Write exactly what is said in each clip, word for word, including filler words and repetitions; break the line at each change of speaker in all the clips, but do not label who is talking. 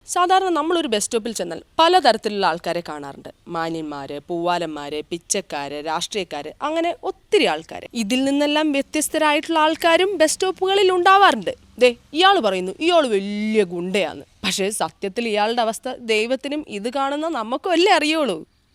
സാധാരണ നമ്മളൊരു ബസ് സ്റ്റോപ്പിൽ ചെന്നാൽ പലതരത്തിലുള്ള ആൾക്കാരെ കാണാറുണ്ട്. മാന്യന്മാര്, പൂവാലന്മാര്, പിച്ചക്കാര്, രാഷ്ട്രീയക്കാര്, അങ്ങനെ ഒത്തിരി ആൾക്കാർ. ഇതിൽ നിന്നെല്ലാം വ്യത്യസ്തരായിട്ടുള്ള ആൾക്കാരും ബസ് സ്റ്റോപ്പുകളിൽ ഉണ്ടാവാറുണ്ട്. ദേ ഇയാൾ പറയുന്നു ഇയാൾ വലിയ ഗുണ്ടയാന്ന്. പക്ഷേ സത്യത്തിൽ ഇയാളുടെ അവസ്ഥ ദൈവത്തിനും ഇത് കാണുന്ന നമുക്കും അല്ലേ അറിയുള്ളൂ.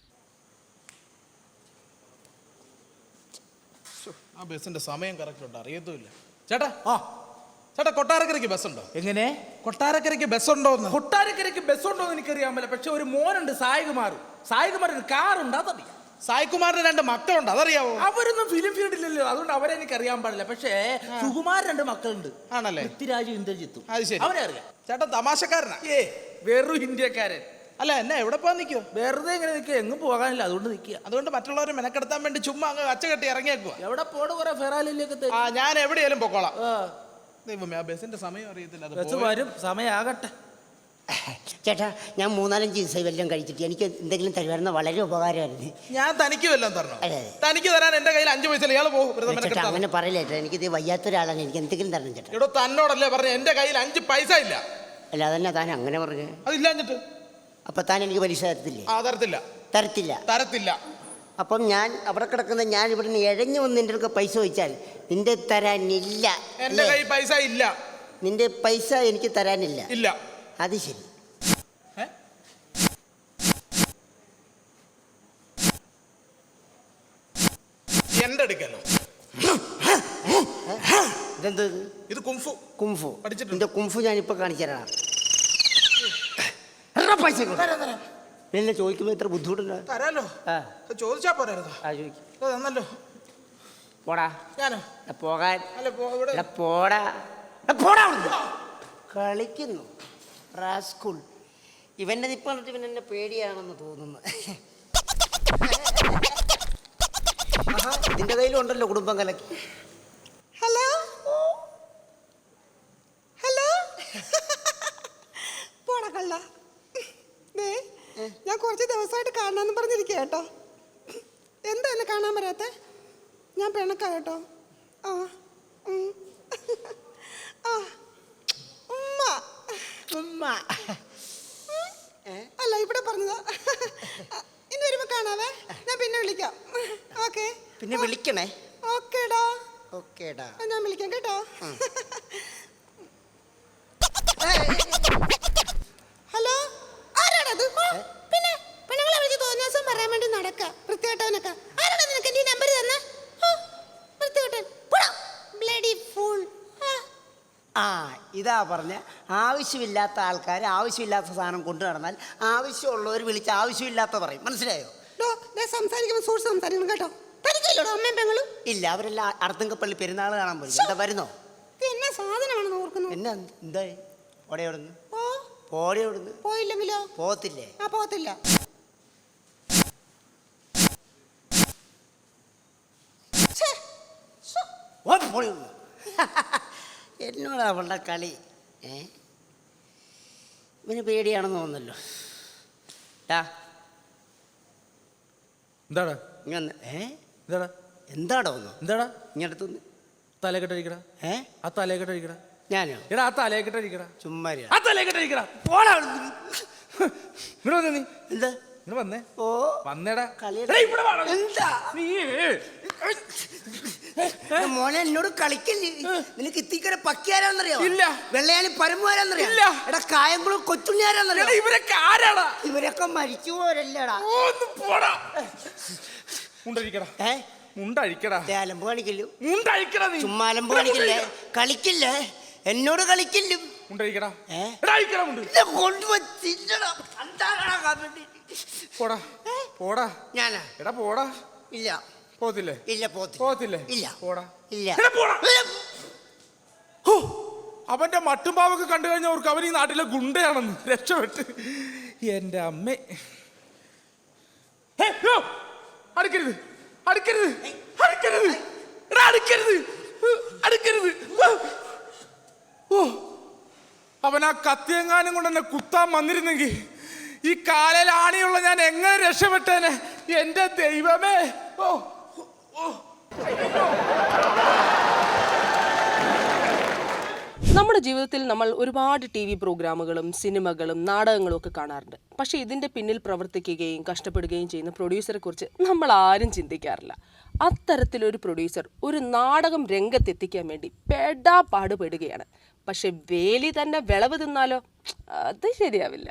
ആ ബസ്സിന്റെ സമയം കറക്റ്റ് ഉണ്ട് അറിയത്തുമില്ല. ചേട്ടാ ആ ചേട്ടാ കൊട്ടാരക്കരയ്ക്ക് ബസ്സുണ്ടോ?
എങ്ങനെ?
കൊട്ടാരക്കരയ്ക്ക് ബസ്സുണ്ടോ?
കൊട്ടാരക്കരയ്ക്ക് ബസ്സുണ്ടോ എന്ന് എനിക്കറിയാൻ പറ്റില്ല. പക്ഷെ ഒരു മോനുണ്ട് സായികുമാർ. സായികുമാറിന് കാറുണ്ട്, അതറിയാം.
സായികുമാറിന് രണ്ട് മക്കളുണ്ട്, അതറിയാവോ?
അവരൊന്നും ഫിലിം ഫീൽഡിലല്ലോ, അതുകൊണ്ട് അവരെ എനിക്ക് അറിയാൻ പാടില്ല. പക്ഷേ സുകുമാർ രണ്ട് മക്കളുണ്ട്.
ആണല്ലേ?
പൃഥ്വിരാജും ഇന്ദ്രജിത്തും.
അത് ശരി,
അവനെ അറിയാം.
ചേട്ടാ തമാശക്കാരനാ?
ഏ വെറും ഇന്ത്യക്കാരൻ.
അല്ല എന്നെ എവിടെ പോകാൻ നിൽക്കുവോ?
വെറുതെ എങ്ങനെ നിൽക്കുക? എങ്ങും പോകാനില്ല, അതുകൊണ്ട് നിൽക്കുക.
അതുകൊണ്ട് മറ്റുള്ളവരെ മെനക്കെടുത്താൻ വേണ്ടി ചുമ്മാ അങ്ങ് അച്ച കെട്ടി ഇറങ്ങിയേക്കുക.
എവിടെ പോണ കുറെ ഫെറാലിലേക്ക്.
ആ ഞാൻ എവിടെയാലും പൊക്കോളാം. ദൈവമേ, ആ ബസ്സിന്റെ സമയം അറിയത്തില്ല.
ബസ് വരും, സമയമാകട്ടെ.
ചേട്ടാ, ഞാൻ മൂന്നാലഞ്ച് ദിവസം വല്ലതും കഴിച്ചിട്ട് എനിക്ക് എന്തെങ്കിലും തരുമായിരുന്ന വളരെ ഉപകാരമായിരുന്നു.
ഞാൻ തനിക്ക് വല്ലതും തരണം?
അതെ.
തനിക്ക് തരാൻ എന്റെ കയ്യിൽ അഞ്ചു പൈസ ഇയാൾ പോകും.
ചേട്ടാ അങ്ങനെ പറയില്ല ചേട്ടാ, എനിക്കിത് വയ്യാത്ത ഒരാളാണ്, എനിക്ക് എന്തെങ്കിലും തരണം ചേട്ടാ.
ഇവിടെ തന്നോടല്ലേ പറഞ്ഞു എന്റെ കയ്യിൽ അഞ്ച് പൈസ ഇല്ല?
അല്ല അതന്നെ താൻ അങ്ങനെ പറഞ്ഞു.
അതില്ലാഞ്ഞിട്ട്
അപ്പൊ താൻ എനിക്ക് പലിശ തരത്തില്ലേ?
ആ തരത്തില്ല.
തരത്തില്ല?
തരത്തില്ല.
അപ്പം ഞാൻ അവിടെ കിടക്കുന്ന ഞാൻ ഇവിടെ നിന്ന് എഴഞ്ഞു വന്ന് നിന്റെ അടുക്ക പൈസ ചോദിച്ചാൽ നിന്റെ തരാനില്ല.
എന്റെ കയ്യിൽ പൈസ ഇല്ല.
നിന്റെ പൈസ എനിക്ക് തരാനില്ല?
ഇല്ല.
അത് ശരി.
എന്റെ അടുക്കല്ലോ
ഇതെന്ത്?
ഇത് കുംഫു.
കുംഫു
പഠിച്ചിട്ടുണ്ട്.
നിന്റെ കുംഫു ഞാനിപ്പോ കാണിച്ചു തരാം. പൈസ എന്നെ ചോദിക്കുമ്പോ ഇത്ര ബുദ്ധിമുട്ടുണ്ട്.
തരാലോ. ചോദിച്ചാ പോരായിരുന്നോ?
ആ ചോദിക്കും.
തന്നല്ലോ.
പോടാ.
ഞാനോ?
പോകാൻ.
അല്ല
പോടാ. പോടാ. കളിക്കുന്നു റാസ്കൂൾ. ഇവന്റെ നിപ്പ കണ്ടിട്ട് ഇവൻ എന്നെ പേടിയാണെന്ന് തോന്നുന്നു. ഇതിന്റെ കയ്യിലുണ്ടല്ലോ കുടുംബം കലക്കി.
ഹലോ ഹലോ പോടാ കള്ള. ഞാൻ കുറച്ച് ദിവസമായിട്ട് കാണാന്ന് പറഞ്ഞിരിക്കുക കേട്ടോ. എന്താ എന്നെ കാണാൻ വരാത്തെ? ഞാൻ പിണക്കാ കേട്ടോ. ആ ആ ഉമ്മ
ഉമ്മ
അല്ല ഇവിടെ പറഞ്ഞതാ. ഇനി വരുമ്പോ കാണാവേ. ഞാൻ പിന്നെ വിളിക്കാം. ഓക്കെ.
പിന്നെ വിളിക്കണേ.
ഓക്കേടാ.
ഓക്കേടാ.
ഞാൻ വിളിക്കാം കേട്ടോ. ഹലോ, ആരാണത്? പിന്നെ പെണ്ണുങ്ങളെ വിളിച്ച് തോന്നിയ ദിവസം പറയാൻ വേണ്ടി നടക്ക വൃത്തികെട്ടവനൊക്കെ. ആരാണ് നിനക്ക് എന്റെ നമ്പർ തന്നെ? വൃത്തികെട്ടൻ. Bloody fool.
ആ ഇതാ പറഞ്ഞ ആവശ്യമില്ലാത്ത ആൾക്കാർ ആവശ്യമില്ലാത്ത സാധനം കൊണ്ടു നടന്നാൽ ആവശ്യമുള്ളവർ വിളിച്ച് ആവശ്യമില്ലാത്ത പറയും. മനസ്സിലായോ?
സംസാരിക്കുമ്പോൾ സൂക്ഷിച്ച് സംസാരിക്കണം കേട്ടോ. പരിചയമില്ലടോ അമ്മയും പെങ്ങളും?
ഇല്ല, അവരെല്ലാം അർത്തുങ്കപ്പള്ളി പെരുന്നാൾ കാണാൻ പോയി. എന്താ വരുന്നോ?
എന്നാ സാധനമാണെന്ന് ഓർക്കുന്നു.
എന്നാ എന്താ ഓടയോടുന്നു? പോടയോടുന്നു.
പോയില്ലെങ്കിലോ?
പോകത്തില്ലേ?
ആ പോകത്തില്ല.
എന്നോട് അവളുടെ കളി. ഏ ഇവന് പേടിയാണെന്ന് തോന്നല്ലോ.
എന്താടാ
ഇങ്ങനെ? ഏ
എന്താടാ
എന്താടോ ഒന്ന്?
എന്താടാ
ഇങ്ങടുത്തുനിന്ന്
തലക്കെട്ടടിക്കടാ.
ഏ
ആ തലക്കെട്ടടിക്കടാ.
ഞാനോ?
എടാ ആ തലക്കെട്ടടിക്കടാ.
ചുമ്മാ
ആ തലക്കെട്ടടിക്കടാ. പോടാ. ഇവിടെ വന്നേ. നീ
എന്താ
ഇവിടെ വന്നേ?
ഓ
വന്നേടാ.
എന്താ മോനെ എന്നോട് കളിക്കല്ലേ? നിനക്ക് ഇത്തിക്കടെ പക്കിയാരാന്നറിയോ?
ഇല്ല.
വെള്ളയാണി പരമുകാരാന്നറിയോ?
ഇല്ല.
എടാ കായംകുളം കൊച്ചുണ്ണിയാരാന്നറിയോ?
ഇവരൊക്കെ ആരാടാ?
ഇവരൊക്കെ മരിച്ചു പോരല്ലേടാ.
മുണ്ടഴിക്കടാ.
ഏ
മുണ്ടഴിക്കടാ.
അലമ്പ് കാണിക്കല്ലോ.
മുണ്ടഴിക്കടാ. നീ
ചുമ്മാ അലമ്പ് കാണിക്കില്ലേ? കളിക്കില്ലേ? എന്നോട് കളിക്കില്ലും.
മുണ്ടഴിക്കടാ.
ഏ കൊണ്ടുവച്ചില്ലടാ.
പോടാ പോടാ.
ഞാനാ?
എടാ പോടാ.
ഇല്ല.
പോത്തില്ലേ?
ഇല്ല. പോത്തി
പോത്തില്ലേ?
ഇല്ല.
പോടാ.
ഇല്ല.
അവന്റെ മട്ടുംപാവൊക്കെ കണ്ടു കഴിഞ്ഞവർക്ക് അവൻ ഈ നാട്ടിലെ ഗുണ്ടയാണെന്ന് രക്ഷപ്പെട്ട്. എന്റെ അമ്മ. അടുക്കരുത് അടുക്കരുത് അടുക്കരുത് അടുക്കരുത് അടുക്കരുത്. ഓ അവൻ ആ കത്തിയെങ്ങാനും കൊണ്ട് എന്നെ കുത്താൻ വന്നിരുന്നെങ്കിൽ ഈ കാലയിൽ ആണിയുള്ള ഞാൻ എങ്ങനെ രക്ഷപ്പെട്ടേനെ? എന്റെ ദൈവമേ. ഓ ഓ
നമ്മുടെ ജീവിതത്തിൽ നമ്മൾ ഒരുപാട് ടി വി പ്രോഗ്രാമുകളും സിനിമകളും നാടകങ്ങളും ഒക്കെ കാണാറുണ്ട്. പക്ഷേ ഇതിൻ്റെ പിന്നിൽ പ്രവർത്തിക്കുകയും കഷ്ടപ്പെടുകയും ചെയ്യുന്ന പ്രൊഡ്യൂസറെ കുറിച്ച് നമ്മൾ ആരും ചിന്തിക്കാറില്ല. അത്തരത്തിലൊരു പ്രൊഡ്യൂസർ ഒരു നാടകം രംഗത്തെത്തിക്കാൻ വേണ്ടി പെടാ പാടുപെടുകയാണ്. പക്ഷെ വേലി തന്നെ വിളവ് തിന്നാലോ, അത് ശരിയാവില്ല.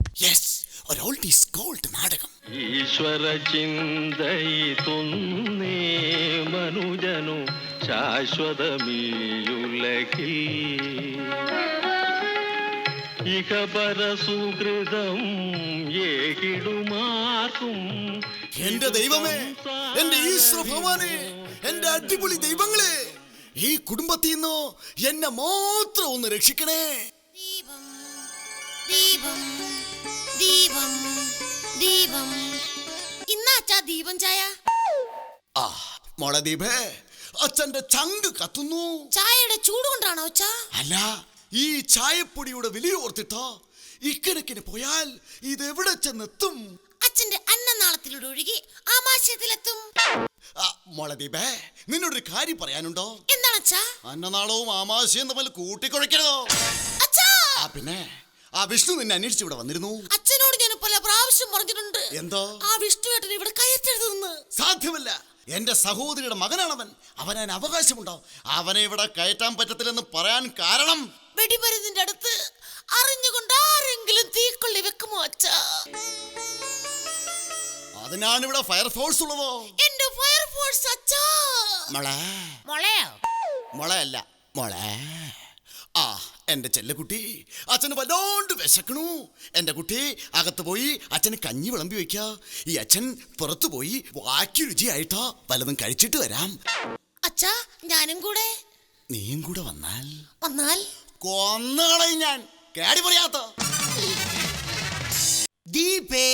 ഈശ്വര ചിന്തയിതുന്നേ മനുജനു ശാശ്വതമീയുലകിൽ ഇഹപര സുഹൃതം ഏകിടുമാർക്കും.
എന്റെ ദൈവമേ, എന്റെ ഈശ്വര ഭഗവാനെ, എന്റെ അടിപൊളി ദൈവങ്ങളെ, ഈ കുടുംബത്തിൽ നിന്ന് എന്നെ മാത്രം ഒന്ന് രക്ഷിക്കണേ.
ദീപം ദീപം ദീപം ദീപം ഇന്നാച്ചാ ദീപം ചായ.
ആ മോളെ ദീപേ, അച്ഛന്റെ ചങ്ക് കത്തുന്നു.
ചായയുടെ ചൂട് കൊണ്ടാണോ അച്ഛാ?
അല്ല, ഈ ചായപ്പൊടിയുടെ വില ഓർത്തിട്ടോ ഇക്കണക്കിന് പോയാൽ ഇതെവിടെ ചെന്നെത്തും?
അച്ഛന്റെ അന്നനാളത്തിലൂടെ ഒഴുകി ആമാശയത്തിലെത്തും.
മോളെ ദീപേ, നിന്നോടൊരു കാര്യം പറയാനുണ്ടോ?
എന്താണ് അച്ഛാ?
അന്നനാളവും ആമാശയും തമ്മിൽ കൂട്ടിക്കുഴയ്ക്കരുതോ?
അച്ഛാ,
ആ പിന്നെ ആ വിഷ്ണു നിന്നെ അന്വേഷിച്ച് ഇവിടെ വന്നിരുന്നു.
അച്ഛനോട് ഞാൻ പല പ്രാവശ്യം പറഞ്ഞിട്ടുണ്ട്.
എന്തോ?
ആ വിഷ്ണുവേട്ടൻ ഇവിടെ കയറ്റരുതെന്ന്.
സാധ്യമല്ല, എന്റെ സഹോദരിയുടെ മകനാണവൻ. അവന് അവകാശമുണ്ടോ? അവനെ ഇവിടെ കയറ്റാൻ പറ്റത്തില്ലെന്ന് പറയാൻ കാരണം
വെടിമരുന്നിന്റെ അടുത്ത് അറിഞ്ഞുകൊണ്ട് ആരെങ്കിലും തീക്കൊള്ളി വെക്കുമോ അച്ഛാ?
അതിനാണ് ഇവിടെ ഫയർഫോഴ്സ് ഉള്ളതോ?
എന്റെ ഫയർഫോഴ്സ് അച്ഛാ.
മോളെ
മോളെയോ?
മോളെയല്ല മോളെ. ആ എന്റെ ചെല്ലക്കുട്ടി, അച്ഛന് വല്ലാണ്ട് വിശക്കണു. എന്റെ കുട്ടി അകത്ത് പോയി അച്ഛന് കഞ്ഞി വിളമ്പി വെക്ക. ഈ അച്ഛൻ പുറത്തു പോയി വാക്കി രുചിയായിട്ടോ വല്ലതും കഴിച്ചിട്ട് വരാം.
അച്ഛാ, ഞാനും കൂടെ.
നീയും കൂടെ വന്നാൽ
വന്നാൽ
കൊന്നുകളയും ഞാൻ. കേടി പറയാത്ത
ദീപേ,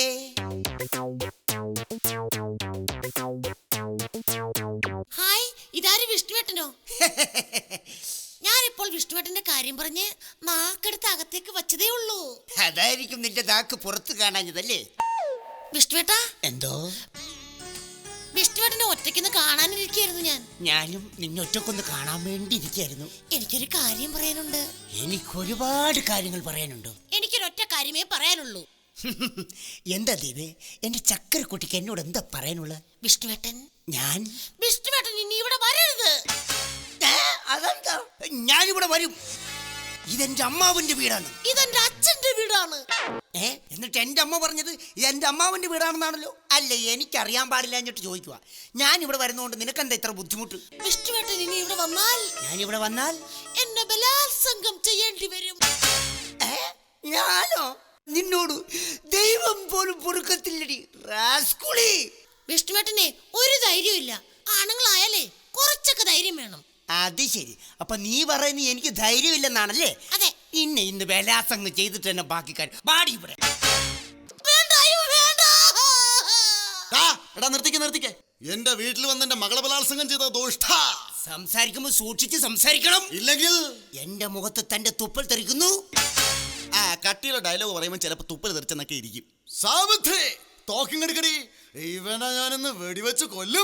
ഹായ്, ഇതാര് വിഷ്ണുവേട്ടനോ? ഞാനിപ്പോൾ വിഷ്ണുവേട്ടന്റെ കാര്യം പറഞ്ഞ് നാക്കെടുത്ത് അകത്തേക്ക് വച്ചതേ ഉള്ളൂ.
അതായിരിക്കും നിന്റെ നാക്ക് പുറത്ത് കാണാഞ്ഞതല്ലേ?
വിഷ്ണുവേട്ടാ,
എന്തോ?
വിഷ്ണുവേട്ടനെ ഒറ്റയ്ക്കൊന്ന് കാണാനിരിക്കായിരുന്നു ഞാൻ.
ഞാനും നിന്നൊറ്റക്കൊന്ന് കാണാൻ വേണ്ടി ഇരിക്കായിരുന്നു.
എനിക്കൊരു കാര്യം പറയാനുണ്ട്.
എനിക്കൊരുപാട് കാര്യങ്ങൾ പറയാനുണ്ട്.
എനിക്കൊരൊറ്റ കാര്യമേ പറയാനുള്ളൂ.
എന്താ ദീപേ, എന്റെ ചക്കരക്കുട്ടിക്ക് എന്നോട് എന്താ പറയാനുള്ള?
വിഷ്ണുവേട്ടൻ
ഞാൻ
വിഷ്ണുവേട്ടൻ ഇനി ഇവിടെ വരരുത്.
അതെന്താ? ഞാനിവിടെ വരും. ഇതെന്റെ അമ്മാവന്റെ വീടാണ്.
ഇതെന്റെ അച്ഛന്റെ വീടാണ്.
ഏ എന്നിട്ട് എന്റെ അമ്മ പറഞ്ഞത് എന്റെ അമ്മാവന്റെ വീടാണെന്നാണല്ലോ. അല്ലേ, എനിക്കറിയാൻ പാടില്ല എന്നിട്ട് ചോദിക്കുക. ഞാൻ ഇവിടെ വരുന്നതുകൊണ്ട് നിനക്കെന്താ ഇത്ര ബുദ്ധിമുട്ട്?
വിഷ്ണുവേട്ടൻ ഇനി ഇവിടെ വന്നാൽ
ഞാനിവിടെ വന്നാൽ
എന്നെ ബലാത്സംഗം ചെയ്യേണ്ടി വരും.
ഏ ഞാനോ? നിന്നോട് ദൈവം പോലും പൊറുക്കത്തില്ലടി റാസ്കുളി.
വിഷ്ണുവേട്ടനെ ഒരു ധൈര്യമില്ല. ആണുങ്ങളായാലേ കുറച്ചൊക്കെ ധൈര്യം വേണം.
അത് ശരി. അപ്പൊ നീ പറയുന്നത് എനിക്ക് ധൈര്യമില്ലെന്നാണല്ലേ?
അതെ.
ഇന്നെ ഇന്ന് ബലാത്സംഗം ചെയ്തിട്ട് തന്നെ ബാക്കി കാര്യം ബാടി ഇവിടെ.
വേണ്ട, അയ്യോ, വേണ്ട.
എടാ നിർത്തിക്ക നിർത്തിക്കേ. എന്റെ വീട്ടിൽ വന്ന് എന്റെ മകളെ ബലാത്സംഗം ചെയ്ത ദോഷ്ട.
സംസാരിക്കുമ്പോ സൂക്ഷിച്ച് സംസാരിക്കണം,
ഇല്ലെങ്കിൽ
എന്റെ മുഖത്ത് തന്റെ തുപ്പൽ തെറിക്കുന്നു.
ആ കട്ടിയുള്ള ഡയലോഗ് പറയുമ്പോൾ ചിലപ്പോ തുപ്പൽ തെറിച്ചെന്നൊക്കെ ഇരിക്കും. സാവിത്രേ, തോക്കിങ്ങെടുക്കടി. ഇവനെ ഞാനിന്ന് വെടിവെച്ച് കൊല്ലും.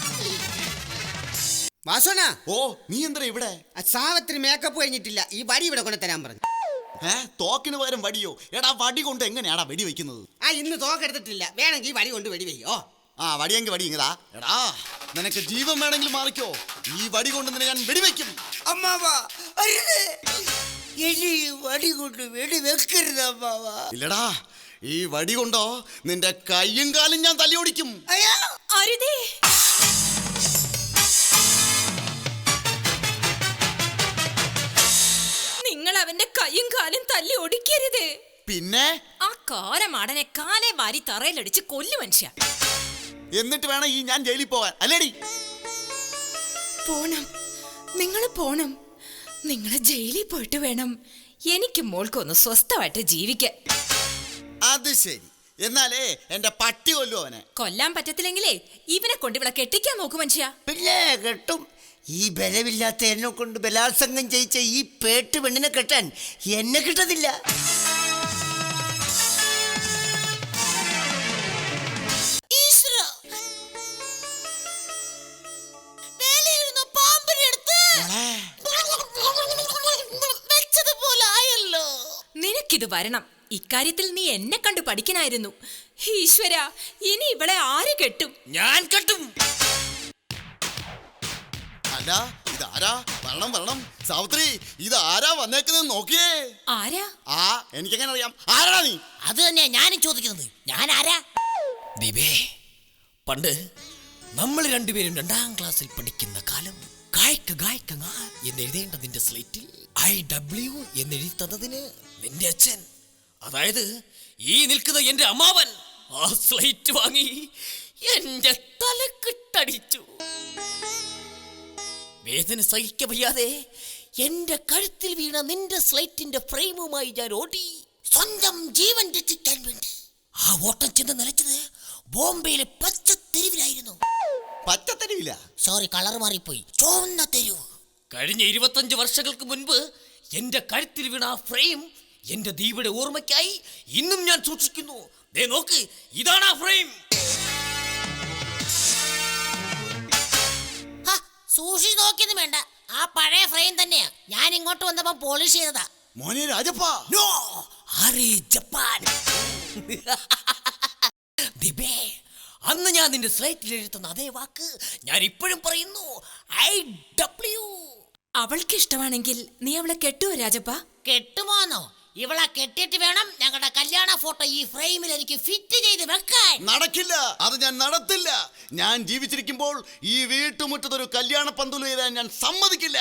വാസോന,
ഓ നീ എന്താ ഇവിടെ?
സാവത്തിന് മേക്കപ്പ് കഴിഞ്ഞിട്ടില്ല. ഈ വടി ഇവിടെ കൊണ്ട് തരാൻ പറഞ്ഞു.
ഏ തോക്കിന് പകരം വടിയോ? എടാ വടി കൊണ്ട് എങ്ങനെയാടാ വെടി വെക്കുന്നത്?
ആ ഇന്ന് തോക്കെടുത്തിട്ടില്ല. വേണമെങ്കിൽ വടി കൊണ്ട് വെടി വെയ്യോ.
ആ വടിയെങ്കിൽ വടി ഇങ്ങതാ. എടാ നിനക്ക് ജീവൻ വേണമെങ്കിൽ മാറിക്കോ. ഈ വടി കൊണ്ട് നിന്നെ ഞാൻ വെടിവെക്കും.
അമ്മാവാ, അരുത്. എലി വടി കൊണ്ട് വെടി വെക്കരുത് അമ്മാവാ.
ഇല്ലടാ, ഈ വടി കൊണ്ടോ നിന്റെ കയ്യും കാലും ഞാൻ തല്ലി ഓടിക്കും.
അയ്യോ,
അരുതേ.
നിങ്ങൾ അവന്റെ കൈയും കാലും തല്ലി ഒടിക്കരുത്.
പിന്നെ
ആ കാരമാടനെ കാലേ വാരി തറയിലടിച്ച് കൊല്ലു മനുഷ്യ.
എന്നിട്ട് വേണം ഈ ഞാൻ ജയിലിൽ പോകാൻ, അല്ലേടി?
പോണം, നിങ്ങൾ പോണം. നിങ്ങളെ ജയിലിൽ പോയിട്ട് വേണം എനിക്ക് മോൾക്കൊന്ന് സ്വസ്ഥമായിട്ട് ജീവിക്കാൻ.
അത് ശരി. എന്നാലേ എന്റെ പട്ടി കൊല്ലു അവനെ.
കൊല്ലാൻ പറ്റത്തില്ലെങ്കിലേ ഇവനെ കൊണ്ട് ഇവിടെ കെട്ടിക്കാൻ നോക്കു മനുഷ്യ.
പിന്നെ കെട്ടും. ഈ ബലമില്ലാത്ത എന്നെ കൊണ്ട് ബലാത്സംഗം ചെയ്യിച്ച ഈ പേട്ട് പെണ്ണിനെ കെട്ടാൻ എന്നെ കിട്ടത്തില്ല.
ഈശ്വര, വേലയിരുന്ന പാമ്പിനെ എടുത്ത് വെച്ചത്
നിനക്കിത് വരണം. ഇക്കാര്യത്തിൽ നീ എന്നെ കണ്ടു പഠിക്കനായിരുന്നു. ഈശ്വര, ഇനി ഇവളെ ആര് കെട്ടും?
ഞാൻ കെട്ടും.
അല്ല ഇതാരാ? വരണം വരണം. സാവിത്രി, ഇത് ആരാ വന്നേക്കുന്നത് നോക്കിയേ.
ആരാ?
ആ എനിക്കെങ്ങനെ അറിയാം? ആരാടാ നീ?
അത് തന്നെയാ ഞാനും ചോദിക്കുന്നത്. ഞാൻ ആരാ? ദീപേ, പണ്ട് നമ്മൾ രണ്ടുപേരും രണ്ടാം ക്ലാസ്സിൽ പഠിക്കുന്ന കാലം ഗായ്ക്ക ഗായ്ക്ക ഗാ എന്നെഴുതേണ്ട നിന്റെ സ്ലേറ്റിൽ ഐ ഡബ്ല്യു എന്നെഴുതി തന്നതിന് നിന്റെ അച്ഛൻ, അതായത് ഈ നിൽക്കുന്ന എന്റെ അമ്മാവൻ, ആ സ്ലേറ്റ് വാങ്ങി എന്റെ തലക്കിട്ടടിച്ചു. വേദന സഹിക്ക വയ്യാതെ എന്റെ കഴുത്തിൽ വീണ നിന്റെ സ്ലേറ്റിന്റെ ഫ്രെയിമുമായി ഞാൻ ഓടി, സ്വന്തം ജീവൻ രക്ഷിക്കാൻ വേണ്ടി. ആ ഓട്ടം ചെന്ന് നിലച്ചത് ബോംബെയിലെ പച്ച തെരുവിലായിരുന്നു.
പച്ചത്തരിവില്ല,
സോറി, കളർ മാറിപ്പോയി, ചുവന്ന തെരുവ്. കഴിഞ്ഞ ഇരുപത്തഞ്ച് വർഷങ്ങൾക്ക് മുൻപ് എന്റെ കഴുത്തിൽ വീണ ആ ഫ്രെയിം എന്റെ ദീപയുടെ ഓർമ്മയ്ക്കായി ഇന്നും ഞാൻ സൂക്ഷിക്കുന്നു. ദേ നോക്ക്, ഇതാണ് ആ ഫ്രെയിം. സൂക്ഷിച്ച് നോക്കിയൊന്നും വേണ്ട, ആ പഴയ ഫ്രെയിം തന്നെയാ. ഞാൻ ഇങ്ങോട്ട് വന്നപ്പോ പോളിഷ് ചെയ്തതാ.
മോനെ രാജപ്പ.
നോ, ആരെ ജപ്പാൻ. ദിബേ, അന്ന് ഞാൻ നിന്റെ സ്ലൈറ്റിൽ എഴുതുന്ന അതേ വാക്ക് ഞാൻ ഇപ്പോഴും പറയുന്നു, ഐ ഡബ്ല്യു.
അവൾക്ക് ഇഷ്ടമാണെങ്കിൽ നീ അവളെ കെട്ടുവോ രാജപ്പ?
കെട്ടുമോന്നോ? ഇവളെ കെട്ടിയിട്ട് വേണം ഞങ്ങളുടെ കല്യാണ ഫോട്ടോ ഈ ഫ്രെയിമിൽ എനിക്ക് ഫിറ്റ് ചെയ്ത് വെക്കാൻ.
നടക്കില്ല, അത് ഞാൻ നടത്തില്ല. ഞാൻ ജീവിച്ചിരിക്കുമ്പോൾ ഈ വീട്ടുമുറ്റത്തൊരു കല്യാണ പന്തൽ വരാൻ ഞാൻ സമ്മതിക്കില്ല.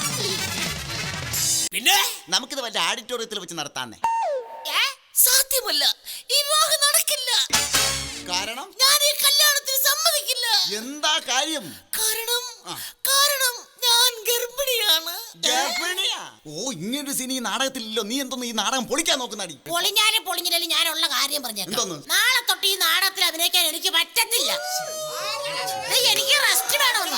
പിന്നെ
നമുക്കിത് വല്ല ഓഡിറ്റോറിയത്തിൽ വെച്ച് നടത്താന്നേ.
ഏ? സാധ്യമല്ല, ഈ വിവാഹം നടക്കില്ല.
കാരണം
ഞാൻ ഈ കല്യാണത്തിന് സമ്മതിക്കില്ല.
എന്താ കാര്യം?
കാരണം കാരണം ഞാൻ ഗർഭിണിയാണ്.
ഗർഭിണിയാ? ഓ, ഇങ്ങനൊരു സീൻ ഈ നാടകത്തിലില്ലോ. നീ എന്തോന്ന് ഈ നാടകം പൊളിക്കാൻ നോക്കുന്നാടി?
പൊളിഞ്ഞാലും പൊളിഞ്ഞില്ലാലും ഞാനുള്ള കാര്യം പറഞ്ഞേക്കാം. നാളെ തൊട്ട് ഈ നാടകത്തിൽ അഭിനയിക്കാൻ എനിക്ക് പറ്റത്തില്ല. എനിക്ക് റെസ്റ്റ് വേണമെന്ന്.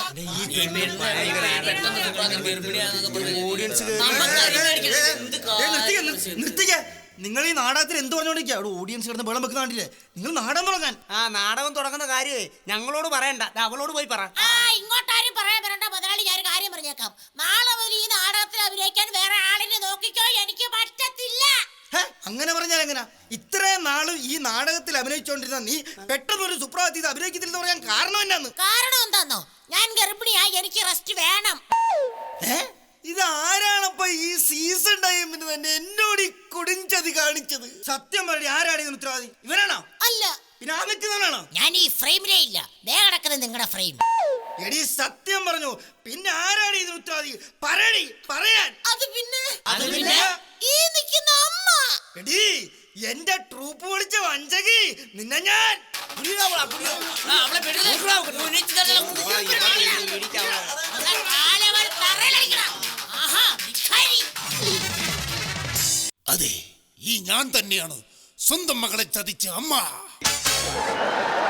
നിങ്ങൾ ഈ നാടകത്തിൽ എന്ത് പറഞ്ഞോണ്ടിരിക്കുക? അവിടെ ഓഡിയൻസ് കിടന്ന് വെള്ളം വെക്കുന്ന കണ്ടില്ലേ? നിങ്ങൾ നാടകം തുടങ്ങാൻ.
ആ നാടകം തുടങ്ങുന്ന കാര്യമേ ഞങ്ങളോട് പറയണ്ട, ദാ അവളോട് പോയി പറ.
ആ ഇങ്ങോട്ടാരും പറയാൻ വരണ്ട മുതലാളി, ഞാൻ കാര്യം പറഞ്ഞേക്കാം. നാളെ മുതൽ ഈ നാടകത്തിൽ അഭിനയിക്കാൻ വേറെ ആളിനെ നോക്കിക്കോ, എനിക്ക് പറ്റത്തില്ല.
അങ്ങനെ പറഞ്ഞാൽ എങ്ങനാ? ഇത്രയും നാളും ഈ നാടകത്തിൽ അഭിനയിച്ചോണ്ടിരുന്ന നീ പെട്ടെന്ന് ഒരു സുപ്രഭാതത്തിൽ അഭിനയിക്കത്തില്ലെന്ന് പറയാൻ കാരണം എന്നാന്ന്?
കാരണം എന്താന്നോ? ഞാൻ ഗർഭിണിയാ, എനിക്ക് റെസ്റ്റ് വേണം.
ഇത് ആരാണപ്പ ഈ സീസൺ ടൈമിന് തന്നെ എന്നോട് ഈ കൊടുഞ്ചതി കാണിച്ചത്? സത്യം പറയും, ആരാണ് ഇതിന് ഉത്തരവാദി? ഇവനാണോ?
അല്ല.
പിന്നെ ആ നിൽക്കുന്നവനാണോ?
ഞാൻ ഈ ഫ്രെയിമിലേ ഇല്ല, ദേ കിടക്കുന്നത് നിങ്ങളുടെ ഫ്രെയിം.
എടി സത്യം പറഞ്ഞു, പിന്നെ ആരാണ് ഇതിന് ഉത്തരവാദി? പറയടി, പറയാൻ.
അത് പിന്നെ
അത് പിന്നെ
ഈ നിൽക്കുന്ന അമ്മ.
എടി എന്റെ ട്രൂപ്പ് വിളിച്ച വഞ്ചകി, നിന്നെ ഞാൻ
അതെ, ഈ ഞാൻ തന്നെയാണ് സ്വന്തം മകളെ ചതിച്ച അമ്മ.